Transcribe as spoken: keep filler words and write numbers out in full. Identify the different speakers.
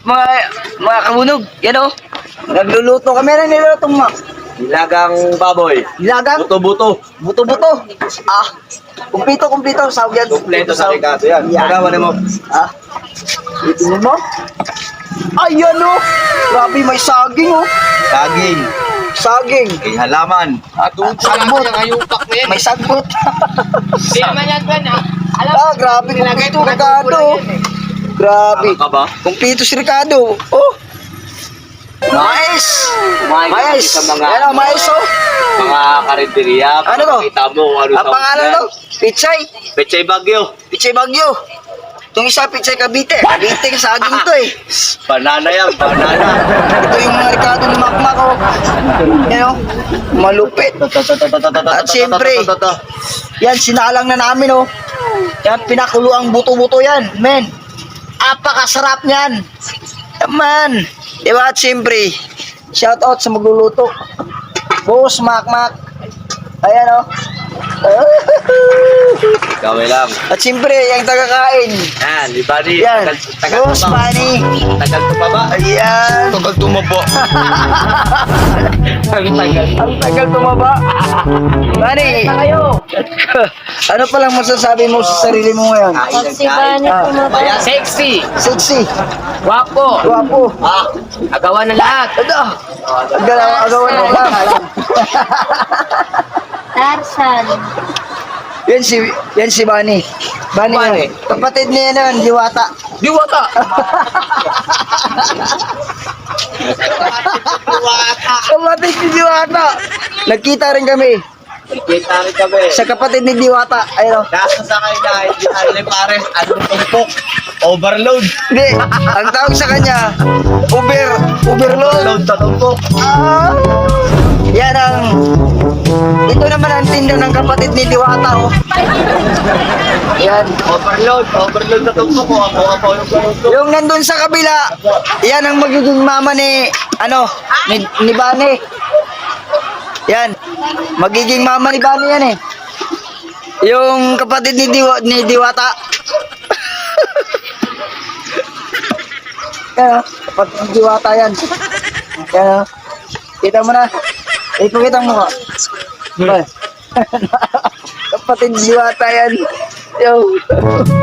Speaker 1: mga, mga kabunog, yan o. Nagluluto kami na niluto mo.
Speaker 2: Nilagang baboy.
Speaker 1: Nilagang,
Speaker 2: Buto-buto.
Speaker 1: buto-buto. Ah, kumpito, kumpito. Sawag yan.
Speaker 2: Kompleto sa Ricardo yan.
Speaker 1: Yan.
Speaker 2: Magawa mo.
Speaker 1: Ah, itin mo. Ayan o. Grabe, may saging o.
Speaker 2: Saging.
Speaker 1: Saging.
Speaker 2: May halaman.
Speaker 1: At sagbot. May sagbot.
Speaker 3: Hindi naman yan, Ben, ha? Alam,
Speaker 1: Ah, grabe. Kumpito, Ricardo. Grabe.
Speaker 2: Ano ka ba?
Speaker 1: Kumpito si Ricardo. Oh. Mais. Mais.
Speaker 2: Sa mga,
Speaker 1: Yan o, mais o.
Speaker 2: mga karinderya.
Speaker 1: Ano to?
Speaker 2: Kita mo kung ano
Speaker 1: Ang pangalan to? Pichay.
Speaker 2: Pechay Bagyo.
Speaker 1: Pichay Bagyo. Itong isa, Pichay Cavite. Cavite, saging to eh.
Speaker 2: Banana yan. Banana.
Speaker 1: Ito yung mga Ricardo ni Makmak o. Yan o. Malupit. At siyempre, yan, sinalang na namin o. Yan, pinakulo ang buto-buto yan. Men, apakasarap niyan. Man, di ba? At siyempre, shout out sa magluluto. Boss Makmak. Ayan o.
Speaker 2: Gawin lang.
Speaker 1: At siyempre, yung tagakain.
Speaker 2: Yan, di ba ni?
Speaker 1: Yan.
Speaker 2: Tagal, tagal
Speaker 1: Boss
Speaker 2: tumaba.
Speaker 1: Manny.
Speaker 2: Tagal tumaba.
Speaker 1: Ayan.
Speaker 2: Tagal tumaba. Ang tagal.
Speaker 1: Ang tagal tumaba. Manny. Ano palang masasabi mo sa sarili mo ngayon?
Speaker 3: si Bani
Speaker 1: Ah.
Speaker 3: tumaba. Sexy,
Speaker 1: Sexy.
Speaker 3: guwapo,
Speaker 1: Guwapo.
Speaker 2: Ah,
Speaker 3: agawan ng lahat.
Speaker 1: Ano? Agalaw, agawan mo lang.
Speaker 3: Tarzan.
Speaker 1: Yan si, yan si Bani. Bani,
Speaker 2: Bani.
Speaker 1: yun. Kapatid niya yan, Diwata.
Speaker 2: diwata.
Speaker 1: Kapatid ni Diwata. Nagkita rin kami
Speaker 2: Kita rin kami.
Speaker 1: sa kapatid ni Diwata. Ayun.
Speaker 2: Nasa sa kanya, hindi ano ni pare, anong tumpok? Overload.
Speaker 1: Hindi, ang tawag sa kanya, Uber, Uberload.
Speaker 2: Overload sa tumpok.
Speaker 1: Ah, yan ang, ito naman ang tinda ng kapatid ni Diwata, oh. Yan.
Speaker 2: Overload. Overload sa tumpok ko. Ako, ako, yung tumpok.
Speaker 1: Yung nandun sa kabila, yan ang magiging mama ni, ano, ni, ni Bani. Yan. Magiging mama ni Bani yan eh. Yung kapatid ni, Diwa, ni Diwata. Yan oh, kapatid ni Diwata yan. Yan oh. Kita mo na. Ipakita mo ka. Kapatid ni Diwata yan. Yo.